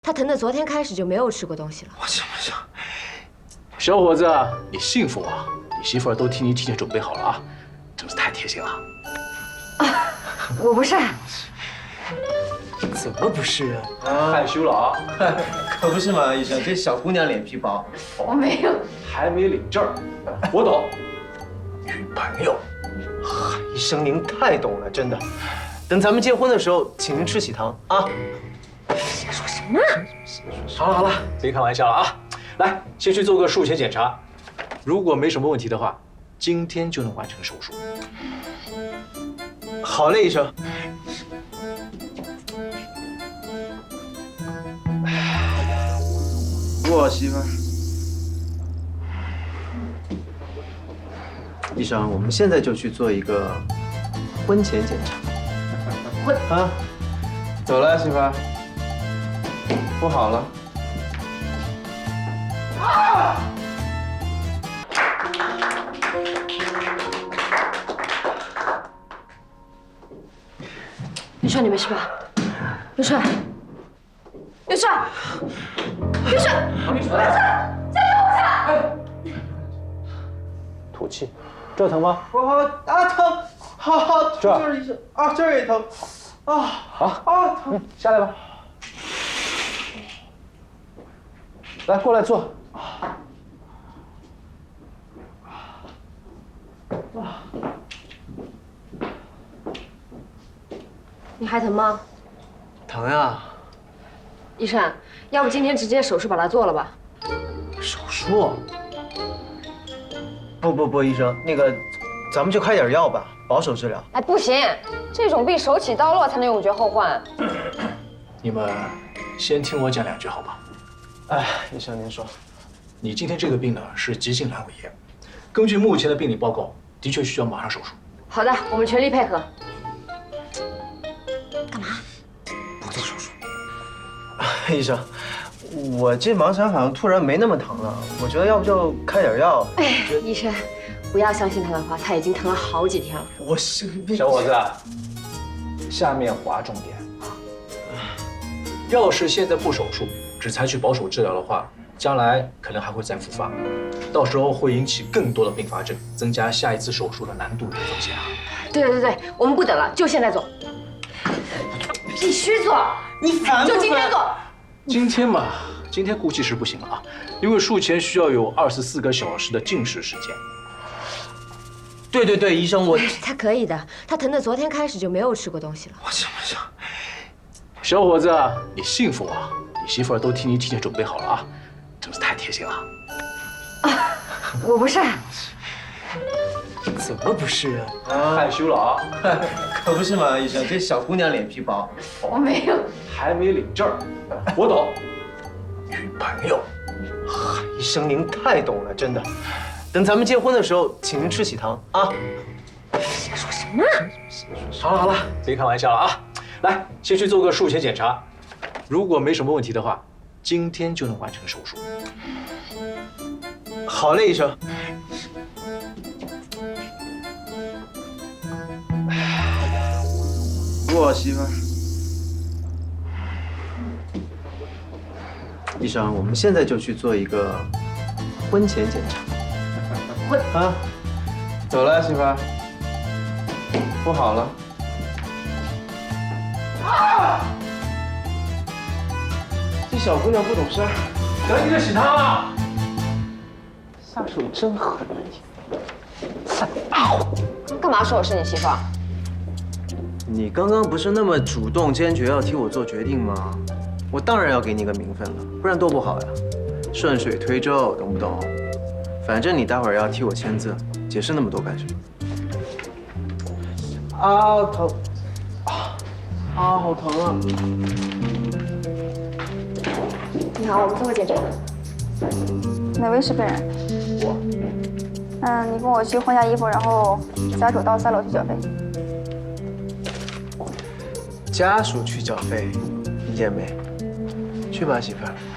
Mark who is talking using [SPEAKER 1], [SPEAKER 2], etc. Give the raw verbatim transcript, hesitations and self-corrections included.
[SPEAKER 1] 他疼的昨天开始就没有吃过东西了。
[SPEAKER 2] 我行不行？
[SPEAKER 3] 小伙子，你幸福啊！你媳妇儿都替你提前准备好了啊，真是太贴心了。
[SPEAKER 1] 啊，我不是。
[SPEAKER 2] 怎么不是啊？
[SPEAKER 3] 害羞了啊？
[SPEAKER 2] 可不是嘛，医生，这小姑娘脸皮薄。
[SPEAKER 1] 我没有，
[SPEAKER 3] 还没领证儿，我懂。女朋友，
[SPEAKER 2] 医生您太懂了，真的。等咱们结婚的时候，请您吃喜糖啊。
[SPEAKER 1] 说什么？
[SPEAKER 3] 好了好了，别开玩笑了啊！来，先去做个术前检查，如果没什么问题的话，今天就能完成手术。
[SPEAKER 2] 好嘞，医生。我媳妇儿。医生，我们现在就去做一个婚前检查。
[SPEAKER 1] 婚
[SPEAKER 2] 啊，走了，媳妇儿。不好了。啊！
[SPEAKER 1] 刘帅，你没事吧？刘帅，刘帅，刘帅，刘帅，加油一下！
[SPEAKER 3] 吐气，这儿疼吗？
[SPEAKER 2] 我好啊疼，好好
[SPEAKER 3] 这儿
[SPEAKER 2] 就是医生啊，这儿也疼，啊
[SPEAKER 3] 好
[SPEAKER 2] 啊疼，
[SPEAKER 3] 嗯，下来吧。来，过来坐。
[SPEAKER 1] 你还疼吗？
[SPEAKER 2] 疼呀！
[SPEAKER 1] 医生，要不今天直接手术把它做了吧？
[SPEAKER 2] 手术？不不不，医生，那个，咱们就开点药吧，保守治疗。
[SPEAKER 1] 哎，不行，这种病手起刀落才能永绝后患。
[SPEAKER 3] 你们先听我讲两句好吧？
[SPEAKER 2] 哎，医生您说，
[SPEAKER 3] 你今天这个病呢是急性阑尾炎，根据目前的病理报告，的确需要马上手术。
[SPEAKER 1] 好的，我们全力配合。
[SPEAKER 2] 不做手术。医生，我这盲肠好像突然没那么疼了，我觉得要不就开点药。
[SPEAKER 1] 哎，医生，不要相信他的话，他已经疼了好几天了。
[SPEAKER 2] 我是
[SPEAKER 3] 小伙子，下面划重点。要是现在不手术，只采取保守治疗的话，将来可能还会再复发，到时候会引起更多的并发症，增加下一次手术的难度与风险啊。
[SPEAKER 1] 对对对，我们不等了，就现在做。必须做，
[SPEAKER 2] 你烦
[SPEAKER 1] 就今天做。
[SPEAKER 3] 今天嘛，今天估计是不行了啊，因为术前需要有二十四个小时的静识时间。
[SPEAKER 2] 对对对，医生我。
[SPEAKER 1] 他可以的，他疼的昨天开始就没有吃过东西了。
[SPEAKER 2] 我行不行？
[SPEAKER 3] 小伙子，你幸福啊！你媳妇儿都替你提前准备好了啊，真是太贴心了。
[SPEAKER 1] 啊，我不是。
[SPEAKER 2] 怎么不是啊？
[SPEAKER 3] 害羞了啊？
[SPEAKER 2] 可不是嘛，医生，这小姑娘脸皮薄。
[SPEAKER 1] 我没有，
[SPEAKER 3] 还没领证儿，我懂。女朋友，
[SPEAKER 2] 医生您太懂了，真的。等咱们结婚的时候，请您吃喜糖啊。
[SPEAKER 1] 说什么？
[SPEAKER 3] 好了好了，别开玩笑了啊！来，先去做个术前检查，如果没什么问题的话，今天就能完成手术。
[SPEAKER 2] 好嘞，医生。我媳妇儿。医生，我们现在就去做一个婚前检查。
[SPEAKER 1] 婚
[SPEAKER 2] 啊，走了，媳妇儿。不好了。啊！这小姑娘不懂事儿，
[SPEAKER 3] 得你的喜糖了。
[SPEAKER 2] 下手真狠啊你！
[SPEAKER 1] 干嘛说我是你媳妇儿？
[SPEAKER 2] 你刚刚不是那么主动坚决要替我做决定吗？我当然要给你个名分了，不然多不好呀！顺水推舟，懂不懂？反正你待会儿要替我签字，解释那么多干什么？啊，疼！啊啊，好疼啊！
[SPEAKER 1] 你好，我们做个检查。
[SPEAKER 4] 哪位是本人？
[SPEAKER 2] 我。
[SPEAKER 4] 嗯，你跟我去换下衣服，然后家属到三楼去缴费。
[SPEAKER 2] 家属去缴费，理解没？去吧，媳妇儿。